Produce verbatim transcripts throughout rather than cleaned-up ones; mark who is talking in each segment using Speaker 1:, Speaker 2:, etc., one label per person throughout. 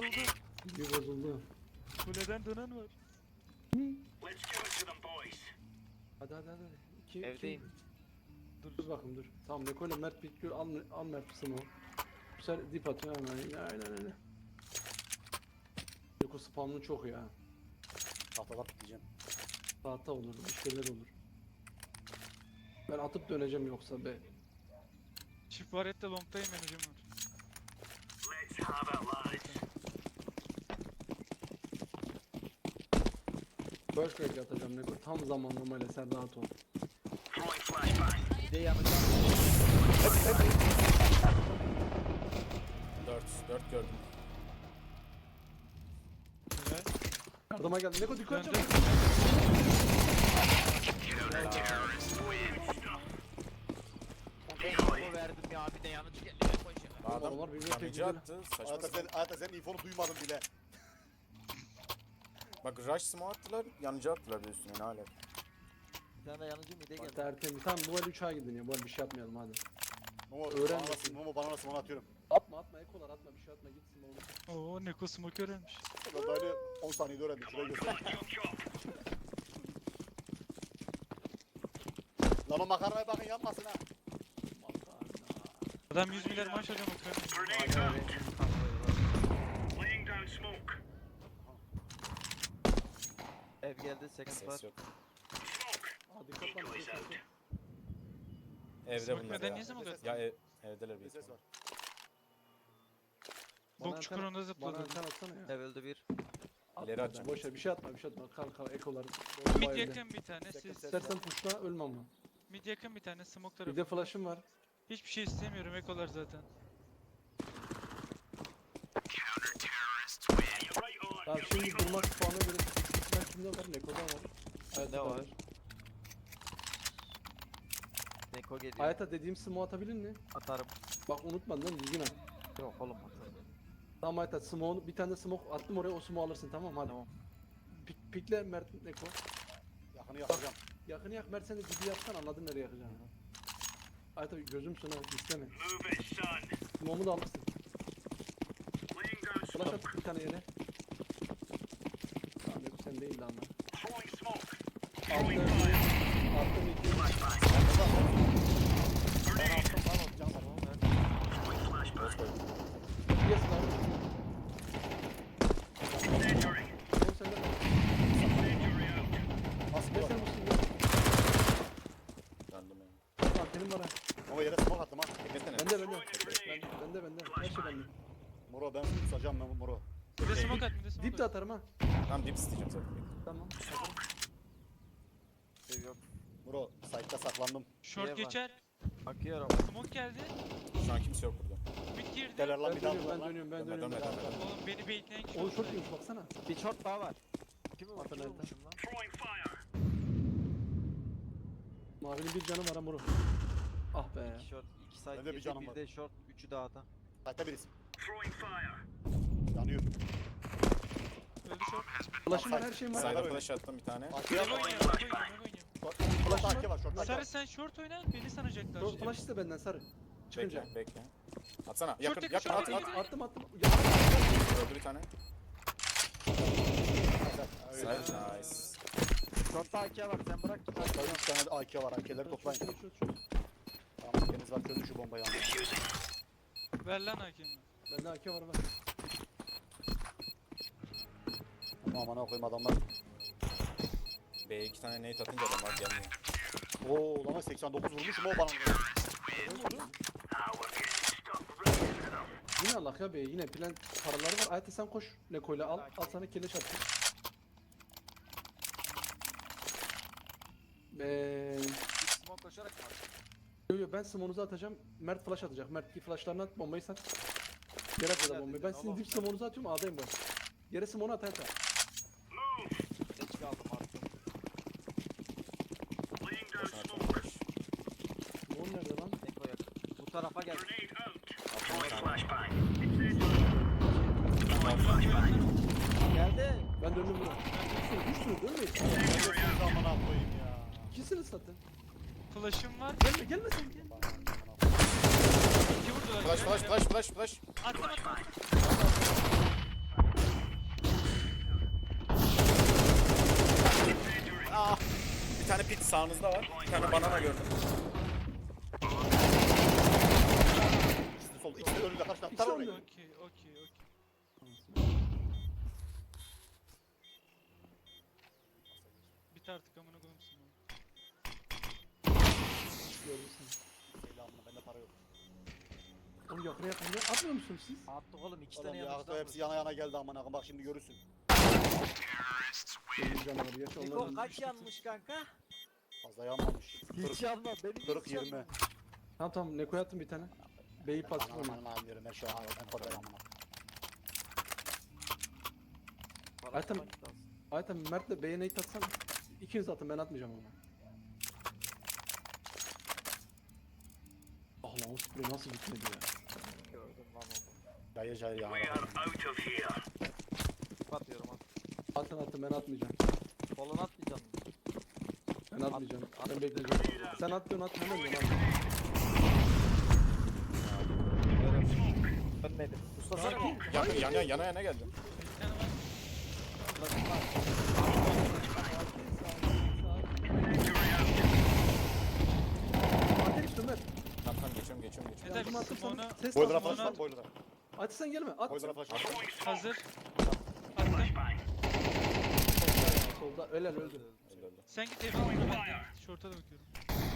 Speaker 1: bozuldu.
Speaker 2: Bir bozuldu.
Speaker 1: Kuleden dönen var.
Speaker 2: Hadi hadi hadi. İki,
Speaker 3: Evdeyim.
Speaker 2: Iki. Dur bakayım dur. Tamam Neko'yla Mert bekliyor. Al, al Mert Smo. Bu sefer dip atıyor hemen. Aynen öyle. Neko spamlı çok ya.
Speaker 4: Tahtada pikleyeceğim.
Speaker 2: Tahta olur, bir şeyler olur. Ben atıp döneceğim yoksa be.
Speaker 1: Çift varette long'tayım ben hocam var.
Speaker 2: First break atacağım Neko. Tam zamanlamayla sen rahat ol.
Speaker 3: Bir de yanacağım.
Speaker 5: dört, dört gördüm.
Speaker 1: Güzel.
Speaker 2: Yardıma geldi. Neko dikkat
Speaker 1: Döndü.
Speaker 2: et.
Speaker 3: Info verdim ya bir de yanıcı geliyor. Koşuyor.
Speaker 5: Adam
Speaker 2: Onlar birbirine
Speaker 5: yanıcı
Speaker 2: tepkileri.
Speaker 5: attı. Saçma
Speaker 4: Hayata sen,
Speaker 5: sapan.
Speaker 4: hayata sen infonu duymadın bile.
Speaker 5: Bak rush smoke attılar, yanıcı attılar bir de üstüne ne alaka.
Speaker 3: Bir tane de yanıcı mide
Speaker 2: Bak
Speaker 3: geldi.
Speaker 2: tertemiz. Tamam bu el üç A gidin ya. Bu el bir şey yapmayalım hadi.
Speaker 4: Momo
Speaker 2: Öğren
Speaker 4: bana nasıl,
Speaker 2: bakayım.
Speaker 4: Momo bana nasıl bana atıyorum.
Speaker 2: Atma atma ekolar atma bir şey atma gitsin oğlum.
Speaker 1: Oo Neko smoke öğrenmiş.
Speaker 4: Ben daha öyle on saniyede öğrendim. Şuraya göster. Lan o makarnaya bakın yanmasın ha.
Speaker 1: Adam yüz milyar maaş hocam okuyor.
Speaker 3: Ev geldi second
Speaker 5: Ses
Speaker 3: var.
Speaker 5: yok.
Speaker 2: Aa dikkat lan. dikkat, dikkat.
Speaker 5: Evde
Speaker 1: Smoke
Speaker 5: bunlar
Speaker 1: neden
Speaker 5: ya.
Speaker 1: niye smoke
Speaker 4: Ya,
Speaker 1: attın?
Speaker 5: Ya ev, evdeler
Speaker 4: Bir
Speaker 5: bir
Speaker 4: ses var.
Speaker 2: Bana
Speaker 1: Bok çukurunda
Speaker 2: anten- Bana
Speaker 1: zıpladı.
Speaker 2: anten atsana ya.
Speaker 3: Ev öldü bir.
Speaker 2: Atma
Speaker 5: İleri
Speaker 2: be,
Speaker 5: atacağım.
Speaker 2: Boş ver bir şey atma bir şey atma. Kal kal ekolar.
Speaker 1: Mid
Speaker 2: Bomba elde.
Speaker 1: yakın bir tane siz.
Speaker 4: Yakın.
Speaker 2: İstersen pushla ölme ama.
Speaker 1: Mid yakın bir tane smoke
Speaker 2: Bir
Speaker 1: tarafı.
Speaker 2: de flash'ım var.
Speaker 1: Hiçbir şey istemiyorum ekolar zaten.
Speaker 2: Tamam şimdi durmak puanına göre ben kimde var? Neko'da var.
Speaker 3: Ne
Speaker 2: Hayat'ta
Speaker 3: var? Neko geliyor.
Speaker 2: Hayata dediğim smoke atabilir mi?
Speaker 3: Atarım.
Speaker 2: Bak unutmadın değil mi? Düzgün at.
Speaker 3: Yok oğlum atarım.
Speaker 2: Tamam Hayata smoke'u bir tane de smoke attım oraya o smoke alırsın tamam mı? Hadi.
Speaker 3: Tamam.
Speaker 2: Pik, pikle Mert Neko.
Speaker 4: Yakını yakacağım.
Speaker 2: Yakını yak Mert sen de dibi yapsan anladın nereye yakacağını. Hayata gözümsün ha isteme. Smoke'u da alırsın. Flash at bir tane yere. Tamam Neko sen değil de anla. Attım. Attım iki.
Speaker 4: Ben attım lan o can var.
Speaker 5: Boş koydum.
Speaker 2: Yes lan. Oğlum sen de bak.
Speaker 4: Nasıl
Speaker 2: Ne
Speaker 4: bu?
Speaker 2: sen misin ya?
Speaker 5: Döndüm yani.
Speaker 2: Antenim var ha.
Speaker 4: Momo yere smoke attım ha.
Speaker 5: Beklesene.
Speaker 2: Bende bende. Ben, bende bende. Her şey bende.
Speaker 4: Moro ben seni tutacağım ben Moro.
Speaker 1: Bir de smoke at bir de smoke
Speaker 2: Dip de
Speaker 1: at.
Speaker 2: atarım ha.
Speaker 5: Tamam dip isteyeceğim zaten.
Speaker 2: Tamam.
Speaker 3: Ev yok.
Speaker 4: Moro site'da saklandım.
Speaker 1: Short
Speaker 3: Niye var?
Speaker 1: geçer.
Speaker 3: Akıyorum.
Speaker 1: Smoke geldi.
Speaker 5: Şu an kimse yok burada.
Speaker 1: Mid girdi.
Speaker 4: Deler lan
Speaker 2: Ben
Speaker 4: bir daha
Speaker 2: dönüyorum ben
Speaker 4: lan.
Speaker 2: dönüyorum ben
Speaker 5: Dönme,
Speaker 2: dönüyorum.
Speaker 5: dönme, dönme, dönme.
Speaker 1: Oğlum beni baitleyen kişi
Speaker 2: Oğlum
Speaker 1: oldu.
Speaker 2: short yiyormuş baksana.
Speaker 3: Bir short daha var. Kimi var?
Speaker 2: Atın
Speaker 3: Kimi
Speaker 2: elden.
Speaker 3: vurmuşum lan?
Speaker 2: Mavinin bir canı var ha muru. Ah be.
Speaker 3: İki short, iki side
Speaker 4: Bende bir
Speaker 3: girdi,
Speaker 4: canım
Speaker 3: bir
Speaker 4: var.
Speaker 3: de short, üçü dağda.
Speaker 4: Site'da birisi. Yanıyor.
Speaker 1: Öldü short.
Speaker 2: Flash'ım var her şeyim var.
Speaker 4: Sayda
Speaker 5: Side'a
Speaker 4: öyle.
Speaker 5: flash attım bir tane.
Speaker 4: Akiye
Speaker 1: Mego
Speaker 4: var.
Speaker 1: oynuyor, Mego oynuyor, Mego oynuyor.
Speaker 4: Şortta Akiye var. Şortta Akiye
Speaker 1: Sarı
Speaker 4: var.
Speaker 1: sen short oyna, beni sanacaklar.
Speaker 2: Short flash iste benden sarı. Çıkınca.
Speaker 5: Bekle, bekle. Atsana. Yakın,
Speaker 1: yakın,
Speaker 5: yakın,
Speaker 1: short
Speaker 5: at,
Speaker 1: yakın.
Speaker 5: at.
Speaker 2: Attım attım. Ya,
Speaker 5: Öldü bir tane.
Speaker 4: Öyle.
Speaker 5: Side, nice.
Speaker 3: Short'ta A K var sen bırak git.
Speaker 4: Şortta üç tane de Akiye var. Akiyeleri toplayın.
Speaker 2: short, short, short.
Speaker 4: Tamam deniz var çözün şu bombayı.
Speaker 1: Ver lan hakemi.
Speaker 2: Bende A K var var.
Speaker 4: Aman amına koyayım adamlar.
Speaker 5: B'ye iki tane nade atınca adamlar gelmiyor.
Speaker 4: Oo lan seksen dokuz vurmuşum o bana.
Speaker 2: Yine Allah ya be yine plan paraları var. Ayette sen koş. Neko'yla al. Al sana keleş attım. Be.
Speaker 3: Smoke koşarak mı?
Speaker 2: Yo yo ben smonunuzu atacağım. Mert flash atacak. Mert ki flashlarını at bombayı sat. Yere at ya da bombayı. Ben sizin dip smonunuzu atıyorum A'dayım ben. Yere smonu at Ayette.
Speaker 3: Geç kaldım artık.
Speaker 5: Boşuna attım flash.
Speaker 2: Smon nerede lan?
Speaker 3: Neko yakın. Bu tarafa gel.
Speaker 5: Attım bir tane.
Speaker 3: Geldi.
Speaker 2: Ben döndüm buna. Düşsün düşsün dönmeyin.
Speaker 4: Siz amına koyayım ya.
Speaker 2: İkisini satın.
Speaker 1: Flash'ım var.
Speaker 2: Gelme gelme sen gel.
Speaker 1: İki vurdular.
Speaker 5: Flash, flash, flash, flash, flash.
Speaker 1: Attım attım attım.
Speaker 5: tane pit sağınızda var. Bir tane banana gördüm.
Speaker 4: İkisi de sol. İkisi de önünde karşıda.
Speaker 2: İkisi
Speaker 4: Tar
Speaker 2: önünde.
Speaker 4: orayı.
Speaker 1: Okey okey okey. Bit artık amına koyayım seni.
Speaker 2: Görürsün.
Speaker 4: Selamına bende para yok.
Speaker 2: Oğlum yakına yakın. Ne atmıyor musunuz siz?
Speaker 3: Attık oğlum iki
Speaker 4: Oğlum
Speaker 3: tane
Speaker 4: ya
Speaker 3: yanımızda.
Speaker 4: hepsi yana yana geldi amına koyayım. Bak şimdi görürsün.
Speaker 2: Benim canavarı geç
Speaker 3: Niko
Speaker 2: onlardan.
Speaker 3: kaç yanmış kanka?
Speaker 4: Fazla yanmamış.
Speaker 3: Hiç yanma benim hiç
Speaker 4: kırk yirmi.
Speaker 3: yanmamış.
Speaker 2: Tamam tamam Neko'ya attım bir tane. B'yi pasif
Speaker 4: Aman
Speaker 2: ona.
Speaker 4: aman aman diyorum. Her şey aman en kodar amına.
Speaker 3: Para
Speaker 2: Ayten-
Speaker 3: tutmak lazım.
Speaker 2: Ayten Mert'le B'ye nade atsan ikiniz atın ben atmayacağım ona. Ah lan o sprey nasıl gitmedi ya.
Speaker 3: Gördüm lan onu.
Speaker 4: Cayır cayır yana.
Speaker 3: Atıyorum at.
Speaker 2: Atın atın ben atmayacağım.
Speaker 3: Kolunu atmayacaksın.
Speaker 2: Ben atmayacağım.
Speaker 3: at-
Speaker 2: Ben bekleyeceğim. Sen at diyorsun at hemen diyorsun at.
Speaker 3: Dönmedim. Usta sana
Speaker 2: Sakin.
Speaker 3: bir
Speaker 5: Yana yana yana yana geldim.
Speaker 1: Bir tane var.
Speaker 3: flaşım var.
Speaker 2: Ateş üstü Mert.
Speaker 5: Tamam tamam geçiyorum geçiyorum geçiyorum.
Speaker 1: Neden
Speaker 2: Yardım attım
Speaker 1: Smoke'unu
Speaker 2: sana. Ses
Speaker 4: Boiler'a
Speaker 2: at.
Speaker 4: flash
Speaker 1: Onu
Speaker 4: var.
Speaker 1: at.
Speaker 4: Boiler'a.
Speaker 2: At sen gelme at.
Speaker 4: Boiler'a flash var.
Speaker 1: Hazır. Attım.
Speaker 2: Solda öyle öldü.
Speaker 5: Öldü öldü.
Speaker 1: Sen git evine oyna ben de şorta da bakıyorum.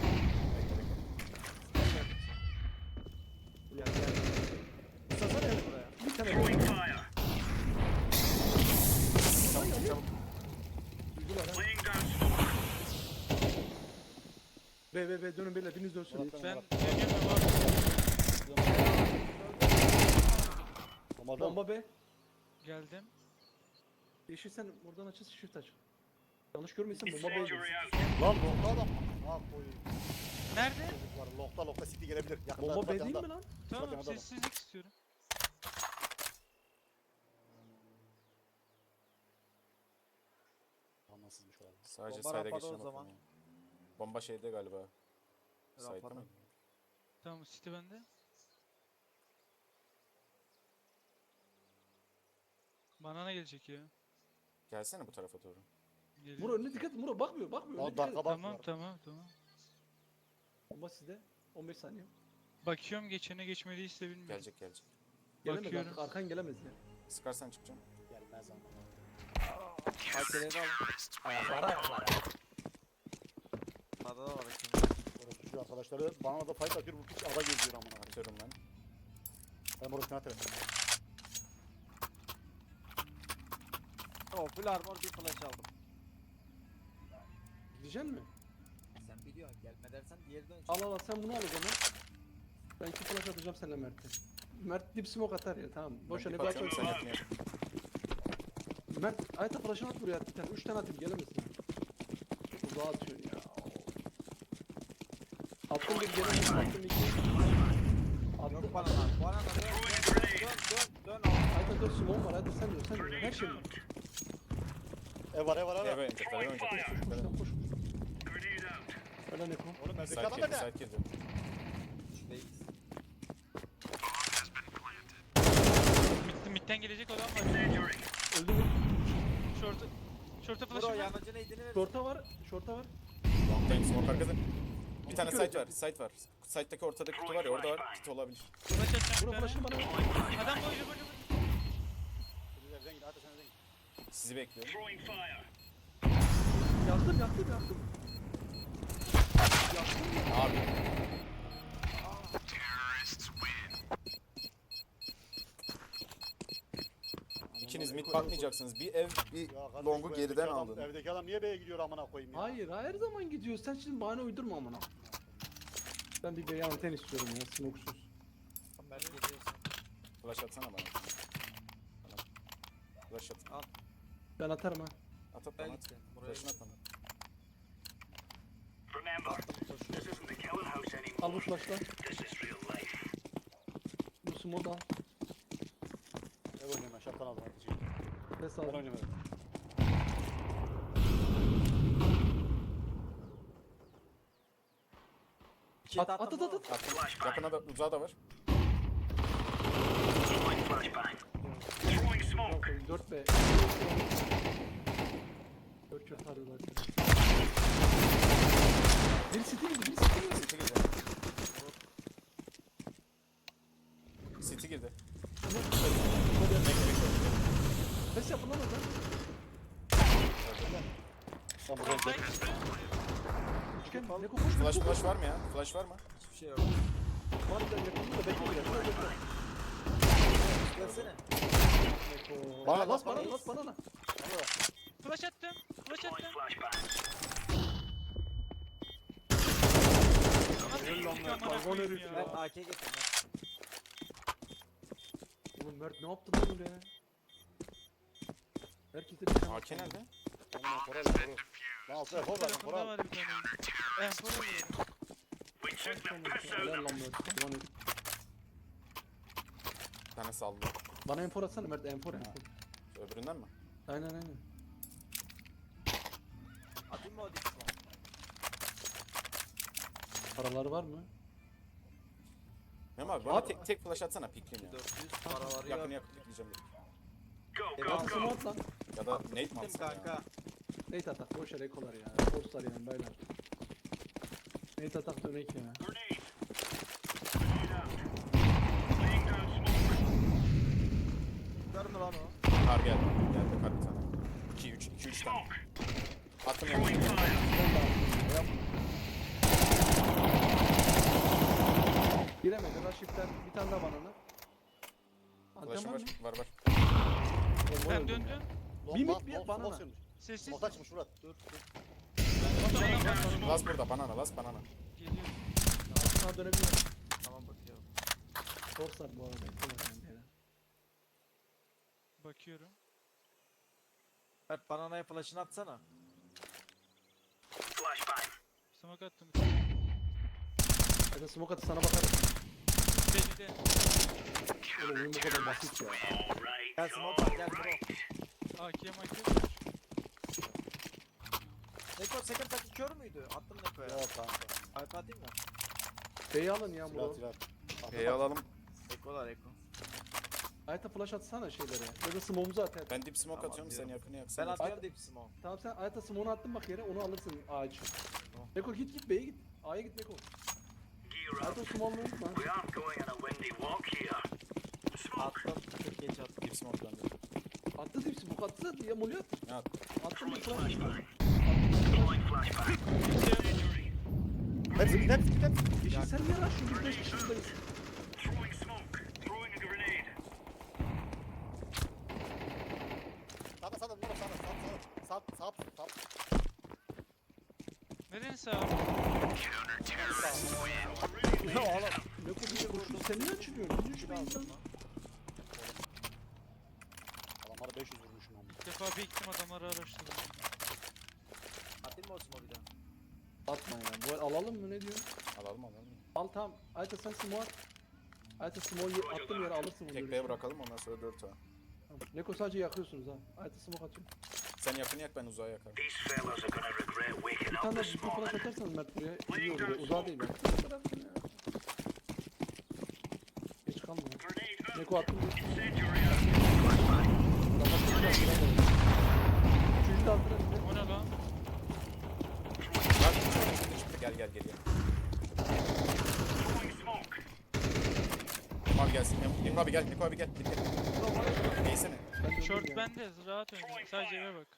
Speaker 2: Gel gel. Sasana ya. Bir tane böyle. Tamam çabuk. Duydular ha. Be be be dönün beyler biriniz dönsün.
Speaker 4: Ulan
Speaker 1: Ben
Speaker 4: Bak.
Speaker 1: Cemil'le var.
Speaker 4: Bomba.
Speaker 2: Bomba be.
Speaker 1: Geldim.
Speaker 2: Yeşil sen buradan açız shift aç. Yanlış görmüyorsan bomba B'ye girsin.
Speaker 4: Lan lokta adam. Ha koyayım.
Speaker 1: Nerede?
Speaker 4: Çocuklar lokta lokta city gelebilir. Yakında
Speaker 2: Bomba B
Speaker 4: yakında.
Speaker 2: değil mi lan?
Speaker 1: Tamam
Speaker 4: Bakın adam.
Speaker 1: sessizlik istiyorum.
Speaker 4: Anlasızmış olabilir.
Speaker 5: Sadece
Speaker 3: Bomba
Speaker 5: side'e
Speaker 3: rapada o
Speaker 5: geçeceğim
Speaker 3: zaman.
Speaker 5: bakalım. Bomba şeyde galiba. Side'de
Speaker 3: Rapada.
Speaker 5: mi?
Speaker 1: Tamam City bende. Banana gelecek ya.
Speaker 5: Gelsene bu tarafa doğru.
Speaker 1: Geliyor.
Speaker 2: Muro önüne dikkat et. Muro bakmıyor bakmıyor.
Speaker 4: Lan
Speaker 2: Önüne dikkat et.
Speaker 4: dakika bak
Speaker 1: Tamam
Speaker 4: var.
Speaker 1: tamam tamam.
Speaker 2: Bomba sizde. on beş saniye.
Speaker 1: Bakıyorum geçene geçmediyse bilmiyorum.
Speaker 5: Gelecek gelecek.
Speaker 2: Gelemez
Speaker 1: Bakıyorum.
Speaker 2: artık arkan gelemez ya.
Speaker 5: Sıkarsan çıkacağım.
Speaker 4: Gelmez ama.
Speaker 3: Hakeleri al.
Speaker 4: Ayaklara ayaklara.
Speaker 3: Sağda da var hakem.
Speaker 4: Orospucu arkadaşları bana da fight atıyor. Bu piç ada geziyor amına. koyayım.
Speaker 5: Atıyorum ben.
Speaker 4: Ben orospucu atarım.
Speaker 3: O full armor bir flash aldım.
Speaker 2: Gideceksin mi?
Speaker 3: Sen biliyorsun gelme dersen diğeri dön.
Speaker 2: Al al al sen bunu al o zaman. Ben iki flash atacağım seninle Mert'e. Mert dip smoke atar ya tamam. Boş
Speaker 5: Ben
Speaker 2: ver
Speaker 5: dip
Speaker 2: ne
Speaker 5: atıyorum, sen
Speaker 2: bakıyorsun?
Speaker 5: yapma yap.
Speaker 2: Mert ayta flash'ını at buraya bir tane. Üç tane atayım gelemezsin. Uzağa atıyorsun ya. Attım bir gelemezsin. Attım iki. Attım.
Speaker 3: Yok bana lan. Bana lan dön dön dön dön dön.
Speaker 2: Ayta dört smoke var. Ayta sen diyor sen diyor. Her şey var.
Speaker 4: Ev var ev var ev
Speaker 5: Eve
Speaker 4: var.
Speaker 5: oynayacaklar eve oynayacaklar.
Speaker 2: Koş koş. Öyle Neko.
Speaker 4: Oğlum evdeki
Speaker 5: Side
Speaker 4: adam
Speaker 5: girdi
Speaker 4: nerede?
Speaker 5: side girdi.
Speaker 3: Şuradayız.
Speaker 1: Mid, midden gelecek olan var.
Speaker 2: Öldü mü?
Speaker 1: Şorta. Şorta
Speaker 3: Bro
Speaker 1: flash'ım var.
Speaker 3: yanıcı neydini ver.
Speaker 2: Short'a var. Short'a var.
Speaker 5: Long time smoke arkada. Bir tane
Speaker 2: İki
Speaker 5: site
Speaker 2: öldü.
Speaker 5: var site var. Site'daki ortadaki kutu var ya orada var. Kit olabilir.
Speaker 1: Flash atacağım
Speaker 2: Bura
Speaker 1: bir tane.
Speaker 2: flash'ını bana ver.
Speaker 1: Adam boylu boylu boylu.
Speaker 4: Siz evden gidin hadi sen evden git.
Speaker 5: Sizi bekliyorum.
Speaker 2: Yaktım yaktım yaktım.
Speaker 5: Abi. İkiniz mid bakmayacaksınız. Bir ev bir
Speaker 4: Ya kardeş,
Speaker 5: longu
Speaker 4: bu
Speaker 5: geriden
Speaker 4: evdeki adam-
Speaker 5: aldın.
Speaker 4: Evdeki adam niye B'ye gidiyor amına koyayım ya?
Speaker 2: Hayır her zaman gidiyor. Sen şimdi bahane uydurma amına. Ben bir bey anten istiyorum ya smoksuz.
Speaker 3: Ben geliyorsun.
Speaker 5: Flash atsana bana. Bana. Flash at.
Speaker 2: Ben atarım ha.
Speaker 5: At at
Speaker 3: Ben
Speaker 5: bana at.
Speaker 3: gittim. Buraya
Speaker 5: Flash'ını at bana.
Speaker 2: Al bu flashla. Bu smoke al.
Speaker 4: Ev oynuyorum ben şaptan aldım hadi. çekil.
Speaker 2: Ses
Speaker 4: Ben
Speaker 2: al.
Speaker 4: oynamıyorum.
Speaker 3: İki
Speaker 2: At,
Speaker 3: at
Speaker 2: at, at, at, at.
Speaker 5: Attım. Yakına da uzağa da var.
Speaker 2: dört B. dört kök arıyorlar. Bir city girdi, bir city girdi.
Speaker 5: City girdi. City girdi.
Speaker 2: Ses yapın lan oradan.
Speaker 4: Sen buraya
Speaker 1: Side
Speaker 4: gel.
Speaker 1: üstü.
Speaker 2: Üçgen, ne kokuş?
Speaker 5: Flash flash var mı ya? Flash var mı?
Speaker 3: Hiçbir şey yok.
Speaker 2: Var da yakında bekle biraz. Şuraya bekle.
Speaker 3: Gelsene.
Speaker 2: Bana bas bana bas bana.
Speaker 1: Flash attım. Flash attım. Nasıl ilk amına koyayım ya?
Speaker 3: Mert A K getir Mert.
Speaker 2: Oğlum Mert ne yaptın lan öyle? Herkese bir tane.
Speaker 5: A K nerede?
Speaker 4: Onunla koral koru. Lan altına kor ver
Speaker 1: Tarafında
Speaker 4: koral.
Speaker 1: var bir tane. Enfor oluyor.
Speaker 2: Helal lan Mert. Aman herif.
Speaker 5: Bir tane saldı.
Speaker 2: Bana enfor atsana Mert, enfor enfor.
Speaker 5: Öbüründen mi?
Speaker 2: Aynen aynen.
Speaker 3: Atayım mı o dikisi var?
Speaker 2: Paraları var mı?
Speaker 5: Memo abi bana
Speaker 2: Abi-
Speaker 5: tek, tek flash atsana pikleyeyim ya.
Speaker 3: dört yüz paraları
Speaker 5: Yakın
Speaker 3: yok.
Speaker 5: yakın pikleyeceğim dedim.
Speaker 2: Arkası mı at lan?
Speaker 5: Ya da nate mi
Speaker 3: Attım
Speaker 5: atsam
Speaker 3: kanka.
Speaker 5: ya?
Speaker 2: Nate atak, boş yere ekolar ya. Forslar yani baylar. Nate atak dönek ya.
Speaker 3: Var mı lan o?
Speaker 5: Kar geldi. Geldi kar bir tane. iki üç iki üç tane. Attım ya.
Speaker 2: Giremedi, Raşif'ten bir tane daha banana.
Speaker 5: Flash'ım
Speaker 2: Antrenman
Speaker 5: var.
Speaker 2: mı?
Speaker 5: Var var.
Speaker 1: Ben döndüm.
Speaker 2: Bir mit, bir banana.
Speaker 1: Sessiz.
Speaker 4: Smoke açmış Murat.
Speaker 3: Dur dur.
Speaker 5: Las burada banana las banana.
Speaker 1: Geliyor.
Speaker 2: Sağa dönebilirim.
Speaker 3: Tamam bakıyorum.
Speaker 2: Forslar bu arada. ekolar yani beyler.
Speaker 1: Bakıyorum.
Speaker 3: Mert bananaya flash'ını atsana.
Speaker 1: Smoke attım.
Speaker 2: Hadi smoke atı sana bakarım.
Speaker 1: Belli de.
Speaker 2: Oğlum oyun bu kadar basit ya.
Speaker 3: Gel smoke at gel bro.
Speaker 1: A K M A K.
Speaker 3: Neko second taki kör müydü? Attım Neko'ya.
Speaker 4: Yok kanka.
Speaker 3: Alp atayım mı?
Speaker 2: B'yi alın ya
Speaker 4: Silah
Speaker 2: bro.
Speaker 4: silah.
Speaker 5: E'yi alalım.
Speaker 3: Eko'lar Eko.
Speaker 2: Ayta flash atsana şeylere. Ya da smoke'umuzu at hadi.
Speaker 5: Ben dip smoke
Speaker 3: Tamam,
Speaker 5: atıyorum sen
Speaker 3: diyorum.
Speaker 5: yakını
Speaker 3: Ben
Speaker 5: yaksana.
Speaker 3: atıyorum deep smoke.
Speaker 2: Tamam sen Ayta smoke'unu attın bak yere, onu alırsın ağaç.
Speaker 3: Tamam.
Speaker 2: Beko git git B'ye git. A'ya git Beko. Ayta smoke'unu unutma.
Speaker 3: Attım. Çok geç attım.
Speaker 5: Dip smoke bende.
Speaker 2: Attı değil smoke attı diye molly at.
Speaker 5: Ne at?
Speaker 2: Attın bir flash.
Speaker 4: Hepsi git hepsi git hepsi.
Speaker 2: Yeşil sen niye lan şu biz beş kişi buradayız.
Speaker 4: Sağda sağda Murat sağda sağda sağda. Sağ sağ sağ.
Speaker 1: Neden sağ?
Speaker 2: Ya oğlum. Beko bir de koşun sen niye açılıyorsun? Niye şu
Speaker 3: aldım
Speaker 2: beyinden?
Speaker 3: lan.
Speaker 4: Adamlara beş yüz vurmuşum ama.
Speaker 1: Bir defa bir gittim adamları araştırdım.
Speaker 3: Atayım mı o smoke bir daha?
Speaker 2: Atma ya. Bu alalım mı ne diyorsun?
Speaker 5: Alalım alalım.
Speaker 2: Al tamam. Ayta sen smoke at. Ayta smoke'u attığım yere alırsın bunu.
Speaker 5: Tek B'ye bırakalım ondan sonra dört A.
Speaker 2: Tamam. Neko sadece yakıyorsunuz ha. Ayta smoke atıyorum.
Speaker 5: Sen yakını yak ben uzağa yakarım.
Speaker 2: Bir tane de bir flash atarsanız Mert buraya iyi olur. Uzağa değil ben. Bırakın ya. Geç kalma ya. Neko attım. Üçüncü de altına bir de.
Speaker 1: O ne lan?
Speaker 5: Lan çıktı gel gel geliyor. Niko abi gelsin. Niko abi gel. Niko abi gel. Gel, gel. Neyse ne?
Speaker 2: Ben döndüm
Speaker 1: Short
Speaker 2: ya.
Speaker 1: bende. Rahat oynayın. Sadece eve bak.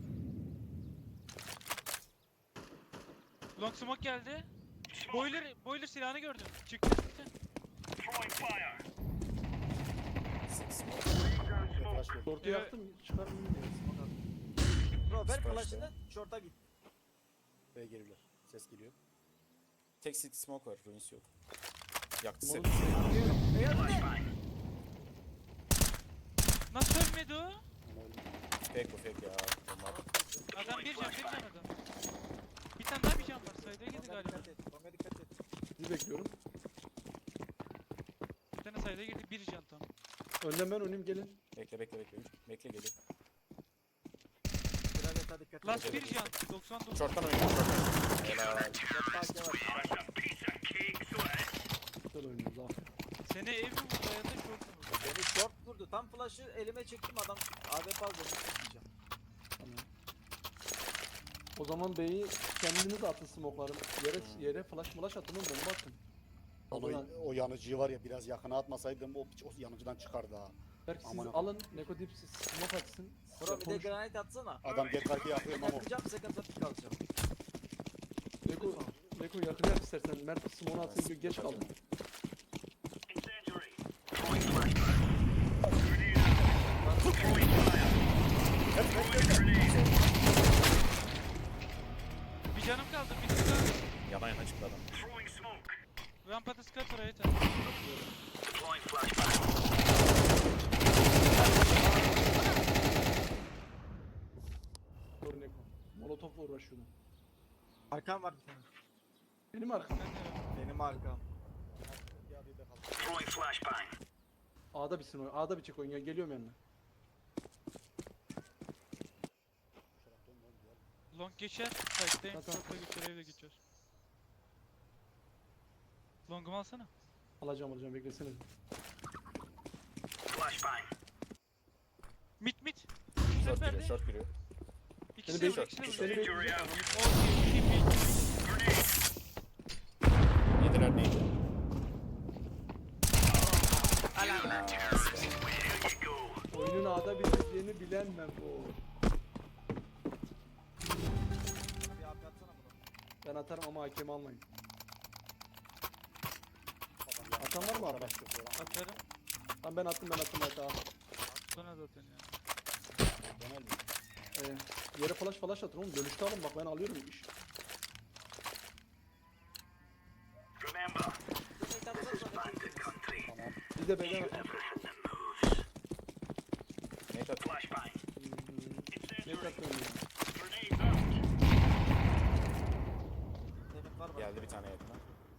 Speaker 1: Long smoke geldi. Boiler, boiler silahını gördüm. Çıktı çıktı.
Speaker 4: Flash ver.
Speaker 2: Short'u
Speaker 1: Evet.
Speaker 2: yaktım. Çıkar mı bilmiyorum.
Speaker 3: Bro ver
Speaker 5: Süper
Speaker 3: flash'ını
Speaker 5: işte.
Speaker 3: short'a git.
Speaker 4: B'ye geliyorlar. Ses geliyor.
Speaker 5: Tek six smoke var. Ruins yok. Yaktı seni.
Speaker 2: Onu- Ne yaptın?
Speaker 1: Nasıl ölmedi o?
Speaker 4: Ama öyle.
Speaker 5: Fake bu fake ya. Onlar.
Speaker 1: Adam bir can bir can adam. Bir tane daha bir can var. Sayıda girdi
Speaker 3: Longa
Speaker 1: galiba.
Speaker 3: dikkat et. Longa dikkat et.
Speaker 2: Sizi bekliyorum.
Speaker 1: Bir tane sayıda girdi bir can tam.
Speaker 2: Önden ben önüm gelin.
Speaker 5: Bekle bekle bekle. Bekle geliyor.
Speaker 3: Graveta dikkat et.
Speaker 1: Last bir can. doksan dokuz.
Speaker 5: Short'tan oynuyor. Short'tan. Helal.
Speaker 3: Short'ta A K var.
Speaker 2: Güzel oynuyoruz aferin.
Speaker 1: Seni ev mi vurdu ya da short mu vurdu?
Speaker 3: Beni short vurdu. Tam flash'ı elime çektim adam. A W P aldı. Onu çekmeyeceğim.
Speaker 2: Tamam. O zaman B'yi kendiniz atın smoke'ları. Yere, yere flash flash atın oğlum bomba atın.
Speaker 4: O,
Speaker 2: Oradan
Speaker 4: o yanıcıyı var ya biraz yakına atmasaydım o piç o yanıcıdan çıkardı ha.
Speaker 2: Berk siz
Speaker 4: Aman
Speaker 2: alın Neko Dip siz smoke atsın.
Speaker 3: Bro bir de
Speaker 2: Konuş.
Speaker 3: granite atsana.
Speaker 4: Adam get kartı yakıyor
Speaker 3: Ben
Speaker 4: Mamo.
Speaker 3: atacağım second'a pick alacağım.
Speaker 2: Neko, Neko yakın yap istersen. Mert smoke'unu atsın geç kaldı.
Speaker 1: Bir canım kaldı. Bir tane daha.
Speaker 5: Yana yana çıktı adam.
Speaker 1: Rampada skat var Ayet.
Speaker 2: Dur Neko. Molotof'la uğraşıyordum.
Speaker 3: Arkam var bir tane.
Speaker 2: Benim arkam.
Speaker 1: Ben de öyle.
Speaker 3: Benim arkam.
Speaker 2: A'da bitsin oyun. A'da bitecek oyun. Ya geliyorum yanına.
Speaker 1: Long geçer. Site'deyim.
Speaker 2: Tamam.
Speaker 1: Short'a geçer. Evde geçiyor. Long'umu alsana.
Speaker 2: Alacağım alacağım beklesene.
Speaker 1: Mit mit.
Speaker 5: Short
Speaker 1: Sefer
Speaker 5: giriyor,
Speaker 1: de.
Speaker 5: short giriyor.
Speaker 1: İkisi
Speaker 2: Seni
Speaker 1: de vur.
Speaker 2: bekle.
Speaker 1: İkisi de
Speaker 2: Seni
Speaker 1: vur.
Speaker 2: bekleyeceğim.
Speaker 1: Okey. Tip
Speaker 5: Yediler neydi?
Speaker 2: Oyunun A'da biteceğini bilen ben bu.
Speaker 3: Bir A P atsana bro.
Speaker 2: Ben atarım ama hakemi almayın. Atan var mı abi?
Speaker 1: Atarım.
Speaker 2: Tamam ben attım ben attım hatta.
Speaker 1: Sonra zaten ya.
Speaker 4: Döner mi?
Speaker 2: Ee, yere flash flash atın oğlum. Dönüşte alın bak ben alıyorum iş.
Speaker 3: Granite atsana.
Speaker 4: Tamam.
Speaker 2: Biz de B'den atalım.
Speaker 5: Nate at.
Speaker 2: Ne katlıyorum ya?
Speaker 3: Senin var mı?
Speaker 5: Geldi bir tane yakına.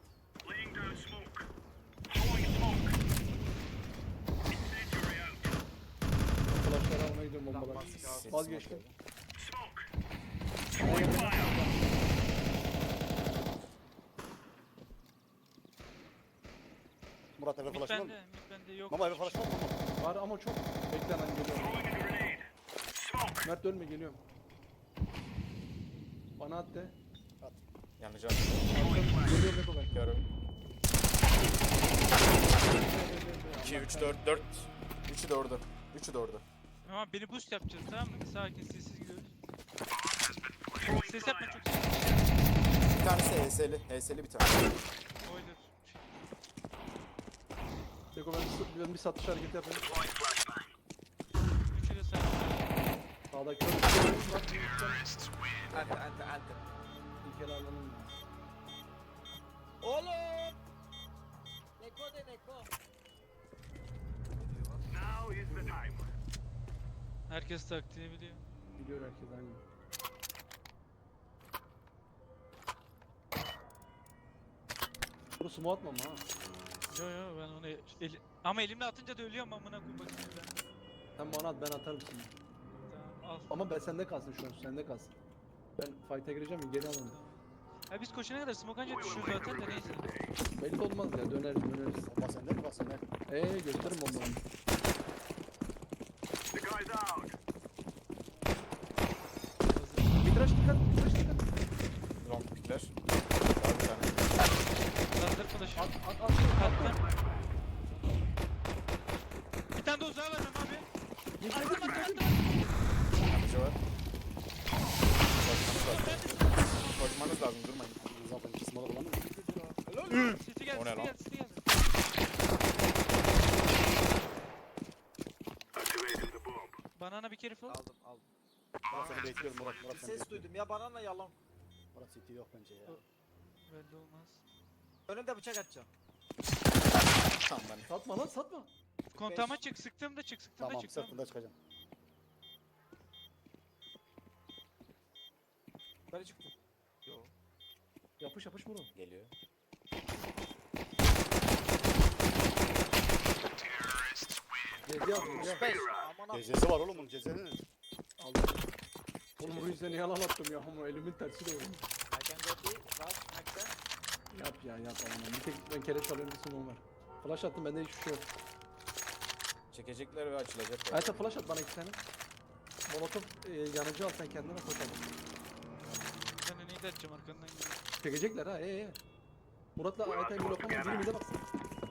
Speaker 2: Flashları almaya gidiyorum bombalar.
Speaker 3: Lambası kaldı.
Speaker 5: Sesi
Speaker 2: Vazgeçtim.
Speaker 4: Murat eve
Speaker 1: Mit
Speaker 4: flash var mı?
Speaker 1: bende. Mit bende yok.
Speaker 4: Mamo eve flash var mı?
Speaker 2: Var ama çok beklenen geliyor. Mert ölme geliyorum. Bana at de.
Speaker 5: Yanıcı attı.
Speaker 2: Geliyorum Neko ben.
Speaker 5: Görüyorum. iki, üç, dört, dört. üçü de orada. üçü de orada.
Speaker 1: Ama beni boost yapacağız tamam mı? Sakin sessiz gidiyoruz. Ses yapma çok ses.
Speaker 5: Bir tanesi H S'li. H S'li bir tane.
Speaker 1: Oydur.
Speaker 2: Neko ben bir, ben bir satış hareketi yapayım.
Speaker 1: Üçü de sakin.
Speaker 2: Sağda kör.
Speaker 3: Ante ante ante.
Speaker 2: Bir kere alalım.
Speaker 3: Oğlum! Neko de Neko.
Speaker 1: Herkes taktiği biliyor.
Speaker 2: Biliyor herkes aynı. Burası mu atmam ha?
Speaker 1: Yo yo ben onu eli... ama elimle atınca da ölüyorum amına koyayım bakayım ben.
Speaker 2: Sen bana at ben atarım şimdi.
Speaker 1: Tamam al.
Speaker 2: Ama ben sende kalsın şu an sende kalsın. Ben fight'a gireceğim ya geri alalım.
Speaker 1: Ha biz koşana kadar smoke anca düşüyor zaten de neyse.
Speaker 2: Belli olmaz ya döneriz döneriz.
Speaker 4: Bomba sende mi? Bak sende.
Speaker 2: Eee gösterin bombanı. Mitraş dikkat mitraş dikkat.
Speaker 5: Long pickler. Daha bir tane.
Speaker 1: Lazer flash'ı.
Speaker 2: At at at.
Speaker 1: Attım. Bir tane de uzağa vereceğim abi. Attım attım attım.
Speaker 5: Yanıcı var. Koşmanız lazım. Koşmanız lazım durmayın.
Speaker 4: Zaten iki smoke kullandı mı?
Speaker 1: City geldi
Speaker 5: O ne
Speaker 1: city
Speaker 5: lan?
Speaker 1: geldi city geldi. Banana bir kere falan.
Speaker 3: Aldım aldım.
Speaker 4: Murat seni bekliyorum Murat. Murat
Speaker 3: Bir
Speaker 4: seni
Speaker 3: ses
Speaker 4: bekliyorum.
Speaker 3: duydum ya banana yalan.
Speaker 4: Murat city yok bence ya.
Speaker 1: Belli olmaz.
Speaker 3: Önünde bıçak atacağım.
Speaker 5: Tamam ben.
Speaker 2: Satma lan satma.
Speaker 1: Kontağıma çık sıktım da çık sıktım da
Speaker 4: Tamam
Speaker 1: çık. Tamam.
Speaker 4: sırtında çıkacağım.
Speaker 3: Böyle çıktım. Yo.
Speaker 2: Yapış yapış vurun.
Speaker 5: Geliyor.
Speaker 2: Gezi yap gezi yap.
Speaker 3: Beş. Aman abi.
Speaker 4: Cezesi var oğlum bunun cezesi.
Speaker 2: Aldım. Oğlum bu yüzden yalan attım ya ama elimin tersi de oldu.
Speaker 3: I can go B. Rush. Max'ten.
Speaker 2: Yap ya yap Allah'ım. Bir tek ben kereç alıyorum bir smoke var. Flash attım bende hiçbir şey yok.
Speaker 5: Çekecekler ve açılacak.
Speaker 2: Hayata flash at bana iki tane. Molotov e, yanıcı al sen kendine koy hadi.
Speaker 1: Mid atacağım arkandan geliyor.
Speaker 2: Çekecekler ha ee ee. Murat'la Aytay blok ama biri mide baksın.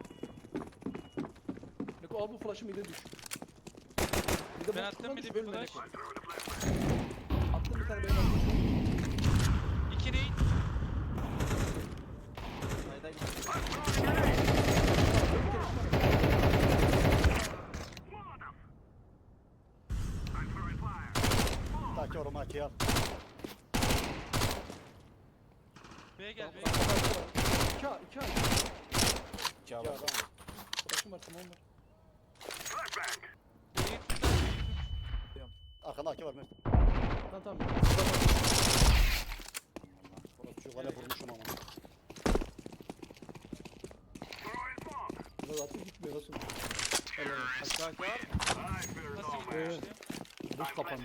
Speaker 2: Neko al bu flash'ı mide düş. Mide
Speaker 1: Ben
Speaker 2: boş
Speaker 1: attım
Speaker 2: kullan,
Speaker 1: mide
Speaker 2: düş,
Speaker 1: bir
Speaker 2: bölme
Speaker 1: flash.
Speaker 2: Neko. Attım bir tane benim attım.
Speaker 1: İki neyin?
Speaker 3: Sayda gitti.
Speaker 4: Taki orama aki al.
Speaker 1: B'ye gel B'ye
Speaker 2: Tamam,
Speaker 1: gel.
Speaker 2: iki A, iki A.
Speaker 5: İki A
Speaker 4: İki
Speaker 5: var.
Speaker 4: adam.
Speaker 2: Flash'ım var, tamam var.
Speaker 1: B'ye tut lan, B'ye tut.
Speaker 4: Arkanda aki var Mert.
Speaker 2: Tamam tamam.
Speaker 4: Orası şu kale vurmuşum ama.
Speaker 2: Burada zaten gitmiyor nasıl? Helal olsun.
Speaker 3: Hakkı hakkı var mı?
Speaker 1: Nasıl
Speaker 2: Evet.
Speaker 1: gidiyor işte?
Speaker 2: Buz kapandı.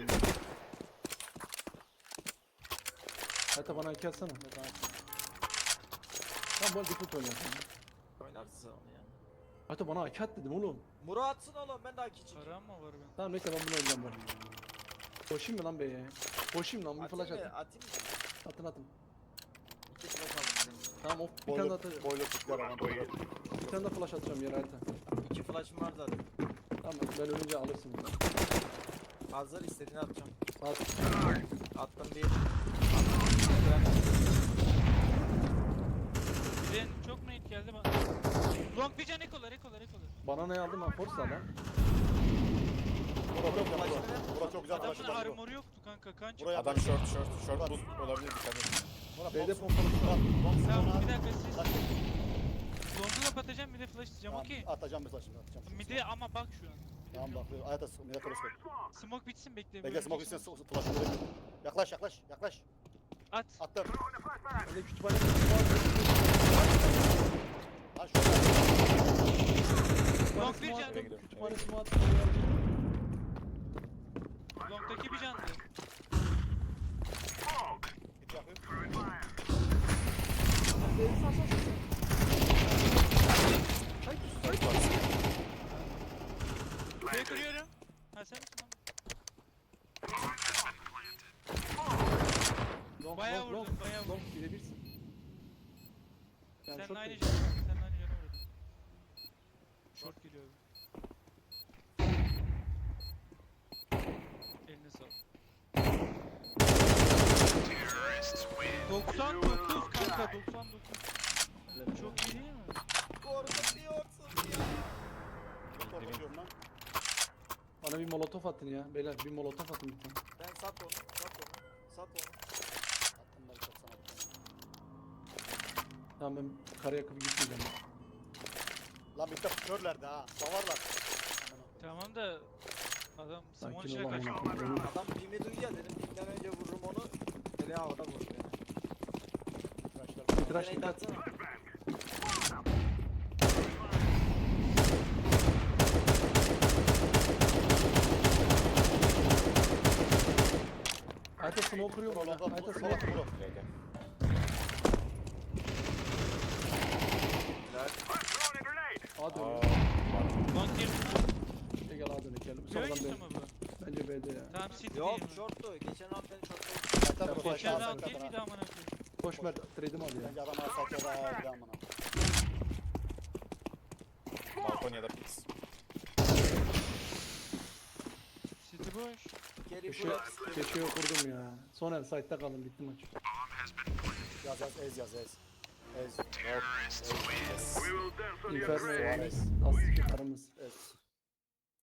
Speaker 2: Hatta bana iki atsana. Tamam bu arada default oynuyorsun.
Speaker 3: Oynarsın onu ya.
Speaker 2: Hatta bana iki at dedim oğlum.
Speaker 3: Muro atsın oğlum ben de haki çekeyim.
Speaker 1: Param mı var benim?
Speaker 2: Tamam neyse ben bunu oynayacağım bari. Koşayım mı lan beye? Koşayım lan bir flash
Speaker 3: Atayım
Speaker 2: atın.
Speaker 3: mı? Atayım mı?
Speaker 2: Atın atın.
Speaker 3: İki flash aldım.
Speaker 2: Tamam of bir tane
Speaker 4: Boiler,
Speaker 2: daha atacağım.
Speaker 4: boiler çıktılar ama boiler.
Speaker 2: Bir tane daha flash atacağım yere harita.
Speaker 3: İki flash'ım var zaten.
Speaker 2: Tamam ben ölünce alırsın bunu.
Speaker 3: Hazır istediğini atacağım.
Speaker 2: At.
Speaker 3: Attım bir.
Speaker 1: Bilen çok nade geldi bana. Long bir can ekolar ekolar ekolar.
Speaker 2: Bana ne aldım ben force lan.
Speaker 4: Bura çok güzel.
Speaker 3: Flash'ını
Speaker 4: Bura,
Speaker 3: ver.
Speaker 4: bura çok güzel.
Speaker 1: Adamın
Speaker 4: Flash'ı var.
Speaker 1: armoru yoktu kanka kan çıktı.
Speaker 4: Buraya
Speaker 5: Adam short short short boost olabilir dikkat et.
Speaker 4: Bura
Speaker 2: B'de
Speaker 4: box-
Speaker 2: pompalı var.
Speaker 4: box
Speaker 1: Tamam
Speaker 4: sonra-
Speaker 1: bir dakika siz.
Speaker 4: Taş-
Speaker 1: Long'u kapatacağım bir de flash atacağım
Speaker 4: Tamam,
Speaker 1: okey.
Speaker 4: Atacağım mesela şimdi atacağım.
Speaker 1: Midi ama bak şu an.
Speaker 4: Tamam bak. Hayata millet cross koy.
Speaker 1: Smoke bitsin bekle.
Speaker 4: Bekle smoke içine flash verelim. Yaklaş yaklaş yaklaş.
Speaker 1: At.
Speaker 4: Attım.
Speaker 2: Ben de kütüphane var.
Speaker 4: Lan şurada.
Speaker 1: Long bir
Speaker 2: Smoke
Speaker 1: can.
Speaker 2: attım, Kütüphane smoke attım.
Speaker 1: Long'daki bir candı.
Speaker 4: Git yapayım.
Speaker 2: Sağ sağ sağ. Hayır hayır.
Speaker 1: B'ye kırıyorum. Ha sen misin lan?
Speaker 2: Long,
Speaker 1: Bayağı
Speaker 2: long,
Speaker 1: vurdun,
Speaker 2: long,
Speaker 1: bayağı
Speaker 2: long birebirsin. Yani
Speaker 1: Seninle
Speaker 2: çok
Speaker 1: aynı
Speaker 2: iyi.
Speaker 1: canı Seninle aynı canı vurdum. Short geliyor abi. Eline sağlık. doksan dokuz kanka doksan dokuz. Çok iyi değil mi?
Speaker 3: Korkutuyorsun ya.
Speaker 4: Çok korkutuyorum lan.
Speaker 2: Bana bir molotof atın ya. Beyler bir molotof atın bir tane.
Speaker 3: Ben sat onu. Sat onu. Sat onu.
Speaker 4: Attım ben çok sana.
Speaker 2: Tamam ben kara yakıp gitmeyeceğim.
Speaker 4: Lan bir de körlerdi ha. Davarlar.
Speaker 1: Tamam da adam Simon
Speaker 2: Sakin
Speaker 1: içine
Speaker 2: ol
Speaker 1: kaçtı.
Speaker 2: amına koyayım.
Speaker 3: Adam pimi duyuyor dedim. Pimden önce vururum onu. Ele havada vurdu beni.
Speaker 4: Arkadaşlar.
Speaker 2: Bir tıraş
Speaker 3: Beni
Speaker 2: dikkat.
Speaker 3: atsana.
Speaker 2: Ayta smoke kırıyorum
Speaker 4: Vur
Speaker 2: ona.
Speaker 4: vur
Speaker 2: Ayta
Speaker 4: vur
Speaker 2: smoke.
Speaker 4: vur.
Speaker 5: Gel gel.
Speaker 2: A
Speaker 5: Aa,
Speaker 2: dönüyor.
Speaker 5: var.
Speaker 1: Long girdi.
Speaker 2: Gel gel A dönüyor. Gel.
Speaker 1: Böyle
Speaker 2: Sonradan
Speaker 1: gitsin
Speaker 2: B.
Speaker 1: mi bu?
Speaker 2: Bence B'de ya.
Speaker 1: Tamam city
Speaker 3: Yok
Speaker 1: değil mi?
Speaker 3: shorttu. Geçen round beni shorttu.
Speaker 4: Zaten
Speaker 2: Ya,
Speaker 4: burası
Speaker 1: Geçen
Speaker 4: aşağı
Speaker 1: round değil
Speaker 4: kadar
Speaker 1: miydi
Speaker 4: ha.
Speaker 1: amına koyayım?
Speaker 2: Koş Mert. Trade'imi al ya.
Speaker 4: Bence adam alsak ya da bir amına.
Speaker 5: Balkon ya da pix.
Speaker 1: City boş.
Speaker 3: Geri
Speaker 2: Köşe,
Speaker 3: bırak.
Speaker 2: köşeye kurdum ya. Son el site'da kaldım. Bitti maç.
Speaker 4: Yaz yaz ez yaz ez. Ez.
Speaker 5: Yes.
Speaker 2: Inferno
Speaker 4: Suarez.
Speaker 2: Aslı karımız.
Speaker 4: Ez.